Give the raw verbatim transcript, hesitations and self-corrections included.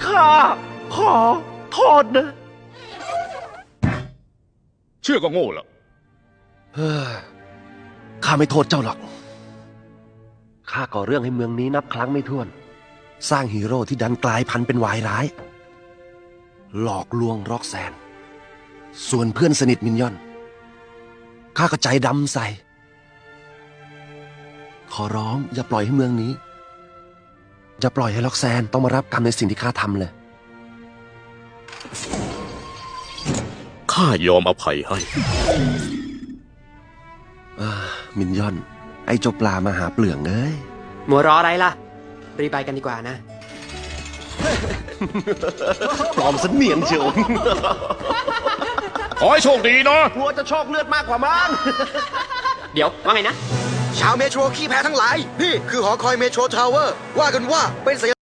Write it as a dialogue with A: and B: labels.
A: ข้าขอโทษนะ
B: เชื่อก็โง่ละ
A: เฮ้ยข้าไม่โทษเจ้าหรอกข้าก่อเรื่องให้เมืองนี้นับครั้งไม่ถ้วน สร้างฮีโร่ที่ดันกลายพันธุ์เป็นวายร้ายหลอกลวงร็อกแซนส่วนเพื่อนสนิทมินยอนข้าก็ใจดำใส่ขอร้องอย่าปล่อยให้เมืองนี้อย่าปล่อยให้ล็อกแซนต้องมารับกรรมในสิ่งที่ข้าทำเลย
B: ข้ายอมอภัยให้
A: มินยอนไอ้เจ้าปลามาหาเปลืองเอ้ย
C: มัวรออะไรล่ะรีบไปกันดีกว่านะ
A: ปลอมสันเนียนเชียว
B: ขอให้โชคดีนะ
A: กลัวจะโชคเลือดมากกว่ามั้ง
C: เดี๋ยวว่าไงนะ
D: ชาวเมโทรขี้แพ้ทั้งหลายนี่คือหอคอยเมโทรทาวเวอร์ว่ากันว่าเป็นสัญ